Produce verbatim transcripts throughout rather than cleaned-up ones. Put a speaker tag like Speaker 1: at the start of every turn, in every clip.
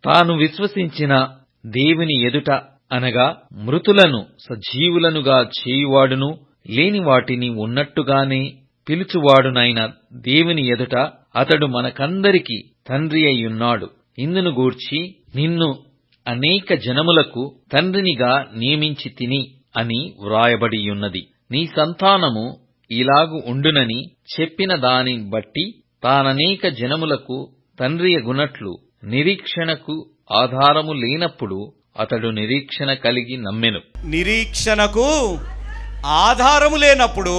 Speaker 1: తాను విశ్వసించిన దేవుని ఎదుట అనగా మృతులను సజీవులనుగా చేయువాడును లేని వాటిని ఉన్నట్టుగానే పిలుచువాడునైన దేవుని ఎదుట అతడు మనకందరికి తండ్రి అయ్యున్నాడు. ఇందును గూర్చి నిన్ను అనేక జనములకు తండ్రినిగా నియమించి తిని అని వ్రాయబడియున్నది. నీ సంతానము ఇలాగు ఉండునని చెప్పిన దాని బట్టి తాననేక జనములకు తండ్రియగునట్లు నిరీక్షణకు ఆధారము లేనప్పుడు అతడు నిరీక్షణ కలిగి నమ్మెను.
Speaker 2: నిరీక్షణకు ఆధారము లేనప్పుడు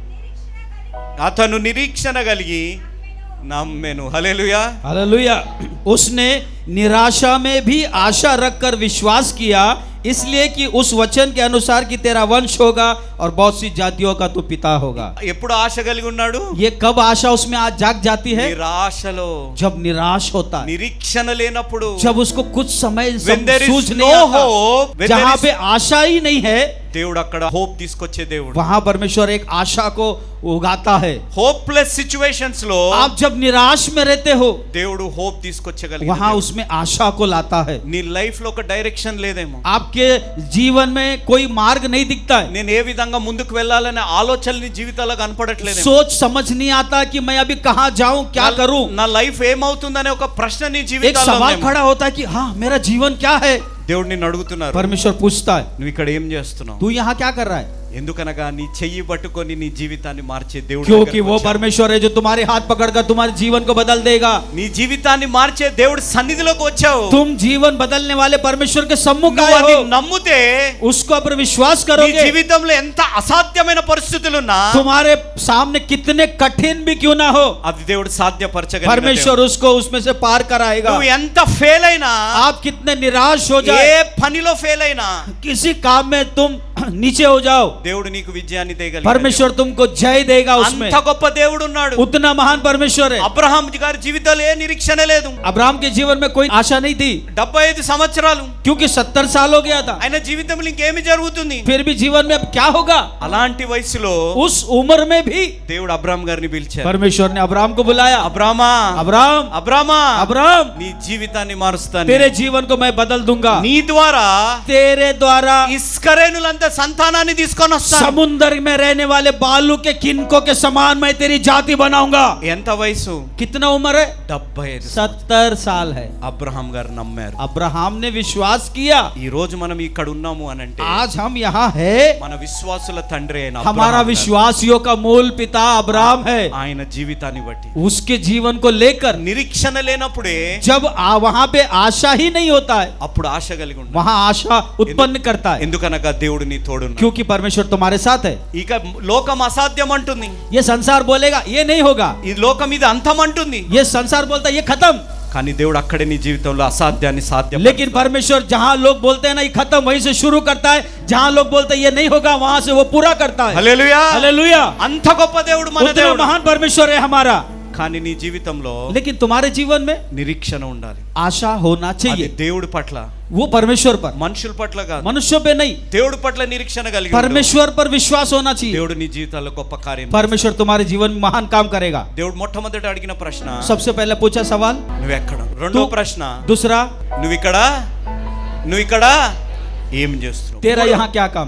Speaker 2: అతను నిరీక్షణ కలిగి నమ్మెను. Hallelujah
Speaker 3: hallelujah. उसने निराशा में भी आशा रखकर विश्वास किया, इसलिए कि उस वचन के अनुसार कि तेरा वंश होगा और बहुत सी जातियों का तू पिता होगा।
Speaker 2: ఎప్పుడు ఆశ కలిగి ఉన్నాడు?
Speaker 3: ये कब आशा उसमें आज जाग जाती है?
Speaker 2: నిరాశలో,
Speaker 3: जब निराश होता है,
Speaker 2: నిరీక్షణ లేనప్పుడు,
Speaker 3: जब उसको कुछ समय
Speaker 2: when there is
Speaker 3: सूझ
Speaker 2: no
Speaker 3: नहीं आता,
Speaker 2: hope, when there
Speaker 3: जहाँ
Speaker 2: is-
Speaker 3: पे आशा ही नहीं है,
Speaker 2: దేవుడు అక్కడ హోప్ తీసుకొచ్చే దేవుడు.
Speaker 3: वहाँ परमेश्वर एक आशा को उगाता है।
Speaker 2: హోప్లెస్ సిచ్యువేషన్స్ లో
Speaker 3: आप जब निराश में रहते हो,
Speaker 2: దేవుడు హోప్ తీసుకొచ్చగలిగిన
Speaker 3: वहाँ
Speaker 2: దేవుడు.
Speaker 3: उसमें आशा को लाता है।
Speaker 2: నీ లైఫ్ లో ఒక డైరెక్షన్ లేదేమో,
Speaker 3: आपके जीवन में कोई मार्ग नहीं दिखता है,
Speaker 2: నేను ఏ విధంగా ముందుకు వెళ్ళాలనే ఆలోచనలు నీ జీవితాల్లో కనపడట్లేదు.
Speaker 3: सोच समझ नहीं आता कि मैं अभी कहाँ जाऊं, क्या करूं।
Speaker 2: నా లైఫ్ ఏమవుతుందనే ఒక ప్రశ్న నీ
Speaker 3: एक
Speaker 2: జీవితాల్లో
Speaker 3: सवाल
Speaker 2: ఉందేమో.
Speaker 3: खड़ा होता है कि हाँ मेरा जीवन क्या है।
Speaker 2: దేవుడు నిన్ను అడుగుతున్నారు,
Speaker 3: परमेश्वर पूछता है
Speaker 2: నువ్వు ఇక్కడ ఏం చేస్తున్నావు?
Speaker 3: तू यहाँ क्या कर रहा है,
Speaker 2: ఎందుకనగా నీ చెయ్యి పట్టుకొని నీ జీవితాన్ని మార్చే దేవుడు
Speaker 3: क्योंकि
Speaker 2: దగ్గరికి
Speaker 3: वो
Speaker 2: వచ్చావు.
Speaker 3: परमेश्वर है जो तुम्हारे हाथ पकड़कर तुम्हारे जीवन को बदल देगा।
Speaker 2: నీ జీవితాన్ని మార్చే దేవుడు సన్నిధిలోకి వచ్చావు.
Speaker 3: तुम जीवन बदलने वाले परमेश्वर के सम्मुख
Speaker 2: నువ్వు
Speaker 3: आए
Speaker 2: అది
Speaker 3: हो,
Speaker 2: నమ్మితే
Speaker 3: उसको पर विश्वास
Speaker 2: నీ
Speaker 3: करोगे,
Speaker 2: జీవితంలో ఎంత అసాధ్యమైన పరిస్థితులున్నా
Speaker 3: तुम्हारे सामने कितने कठिन भी क्यों ना हो,
Speaker 2: అది దేవుడు సాధ్యపరచగలిగిన
Speaker 3: परमेश्वर
Speaker 2: దేవుడు.
Speaker 3: उसको उसमें से पार कराएगा।
Speaker 2: నువ్వు ఎంత ఫెయిల్ అయినా,
Speaker 3: आप कितने निराश हो
Speaker 2: ఏ
Speaker 3: जाए,
Speaker 2: పనిలో ఫెయిల్ అయినా,
Speaker 3: किसी काम में तुम नीचे हो जाओ,
Speaker 2: దేవుడు నీకు విజయాన్ని దేగలిగిన
Speaker 3: परमेश्वर तुमको जय देगा उसमें।
Speaker 2: అంత గొప్ప దేవుడు ఉన్నాడు.
Speaker 3: उतना महान परमेश्वर है।
Speaker 2: అబ్రహాం గారి జీవితంలో ఏ నిరీక్షణ లేదు.
Speaker 3: अब्राहम के जीवन में कोई आशा नहीं थी,
Speaker 2: డెబ్బై ఐదు సంవత్సరాలు
Speaker 3: क्योंकि सत्तर साल हो गया था।
Speaker 2: ఆయన జీవితంలో ఇంకేమి జరుగుతుంది?
Speaker 3: फिर भी जीवन में अब क्या होगा?
Speaker 2: అలాంటి వయసులో
Speaker 3: उस उम्र में भी
Speaker 2: దేవుడు అబ్రహాం గారిని పిలిచారు.
Speaker 3: परमेश्वर ने अब्राहम को बुलाया,
Speaker 2: అబ్రామా,
Speaker 3: अब्राहम
Speaker 2: అబ్రామా,
Speaker 3: अब्राहम
Speaker 2: నీ జీవితాన్ని మారుస్తాను,
Speaker 3: तेरे जीवन को मैं बदल दूंगा,
Speaker 2: నీ ద్వారా
Speaker 3: तेरे द्वारा
Speaker 2: ఇస్కరేనులంత సంతానాన్ని తీసుకొని వస్తాను.
Speaker 3: समुद्र में रहने वाले बालू के किनको के समान मैं तेरी जाति बनाऊंगा।
Speaker 2: ఎంత వయసు?
Speaker 3: कितना उम्र है?
Speaker 2: డెబ్బై ఐదు.
Speaker 3: सत्तर साल है।
Speaker 2: అబ్రహాం గారు నమ్మారు.
Speaker 3: अब्राहम ने विश्वास किया।
Speaker 2: ఈ రోజు మనం ఇక్కడ ఉన్నాము అని అంటే
Speaker 3: आज हम यहाँ है,
Speaker 2: మన విశ్వాసుల తండ్రి అయిన
Speaker 3: हमारा
Speaker 2: అబ్రహాం గారు.
Speaker 3: विश्वासियों का मूल पिता अब्राहम है।
Speaker 2: ఆయన జీవితాన్ని బట్టి
Speaker 3: उसके जीवन को लेकर
Speaker 2: నిరీక్షణ లేనప్పుడే
Speaker 3: जब आ, वहाँ पे आशा ही नहीं होता है,
Speaker 2: అప్పుడు ఆశ కలిగి ఉండాలి.
Speaker 3: वहाँ आशा उत्पन्न करता है,
Speaker 2: ఎందుకనగా దేవుడు నీ తోడున్నాడు.
Speaker 3: क्योंकि परमेश्वर तुम्हारे साथ है।
Speaker 2: ఇక లోకం అసాధ్యం అంటుంది,
Speaker 3: ये संसार बोलेगा ये नहीं होगा,
Speaker 2: ఈ లోకం ఇది అంతం అంటుంది,
Speaker 3: ये संसार बोलता है ये खत्म,
Speaker 2: కానీ దేవుడు అక్కడే నీ జీవితంలో అసాధ్యాన్ని సాధ్యం.
Speaker 3: लेकिन परमेश्वर जहाँ लोग बोलते हैं ना ये खत्म, वहीं से शुरू करता है, जहाँ लोग बोलते हैं ये नहीं होगा वहां से वो पूरा करता है।
Speaker 2: Hallelujah,
Speaker 3: hallelujah.
Speaker 2: అంత గొప్ప దేవుడు మన
Speaker 3: उतना
Speaker 2: దేవుడు.
Speaker 3: महान परमेश्वर है हमारा,
Speaker 2: కానీ నీ జీవితంలో
Speaker 3: लेकिन तुम्हारे जीवन में
Speaker 2: నిరీక్షణ ఉండాలి.
Speaker 3: आशा होना
Speaker 2: అది
Speaker 3: चाहिए,
Speaker 2: దేవుడి పట్ల,
Speaker 3: वो परमेश्वर पर,
Speaker 2: మనుషుల పట్ల కాదు.
Speaker 3: मनुष्यों पे नहीं,
Speaker 2: దేవుడి పట్ల నిరీక్షణ కలిగి ఉండు.
Speaker 3: परमेश्वर पर विश्वास होना चाहिए।
Speaker 2: దేవుడు నీ జీవితాల్లో గొప్ప కార్యం.
Speaker 3: परमेश्वर तुम्हारे जीवन में महान काम करेगा।
Speaker 2: దేవుడు మొట్టమొదట అడిగిన ప్రశ్న
Speaker 3: सबसे पहले पूछा सवाल
Speaker 2: నువ్వెక్కడ, రెండో
Speaker 3: तू-
Speaker 2: ప్రశ్న
Speaker 3: दूसरा
Speaker 2: నువ్వు ఇక్కడ, నువ్వు ఇక్కడ ఏం చేస్తున్నావు?
Speaker 3: तेरा यहाँ क्या काम।